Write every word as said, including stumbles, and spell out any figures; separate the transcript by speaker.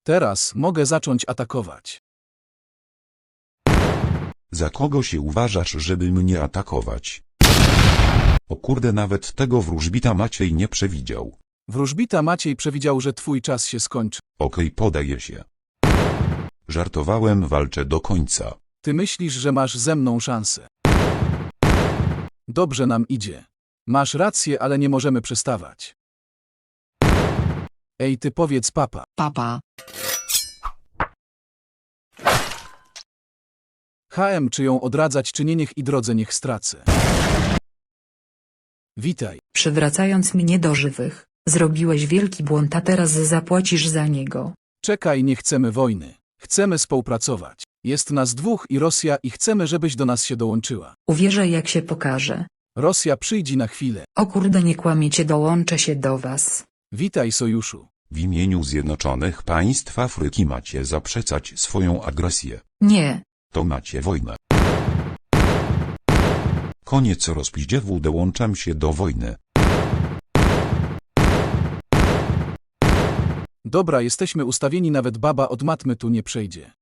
Speaker 1: Teraz mogę zacząć atakować.
Speaker 2: Za kogo się uważasz, żeby mnie atakować? O kurde, nawet tego wróżbita Maciej nie przewidział.
Speaker 1: Wróżbita Maciej przewidział, że twój czas się skończy.
Speaker 2: Okej, podaję się. Żartowałem, walczę do końca.
Speaker 1: Ty myślisz, że masz ze mną szansę. Dobrze nam idzie. Masz rację, ale nie możemy przestawać. Ej, ty powiedz papa.
Speaker 3: Papa.
Speaker 1: H M, czy ją odradzać, czy nie, niech i drodze niech stracę. Witaj.
Speaker 3: Przywracając mnie do żywych, zrobiłeś wielki błąd, a teraz zapłacisz za niego.
Speaker 1: Czekaj, nie chcemy wojny. Chcemy współpracować. Jest nas dwóch i Rosja i chcemy, żebyś do nas się dołączyła.
Speaker 3: Uwierzę, jak się pokaże.
Speaker 1: Rosja przyjdzie na chwilę.
Speaker 3: O kurde, nie kłamiecie, dołączę się do was.
Speaker 1: Witaj, sojuszu.
Speaker 2: W imieniu Zjednoczonych Państw Afryki macie zaprzeczać swoją agresję.
Speaker 3: Nie.
Speaker 2: To macie wojnę. Koniec rozpizdziewu, dołączam się do wojny.
Speaker 1: Dobra, jesteśmy ustawieni, nawet baba od matmy tu nie przejdzie.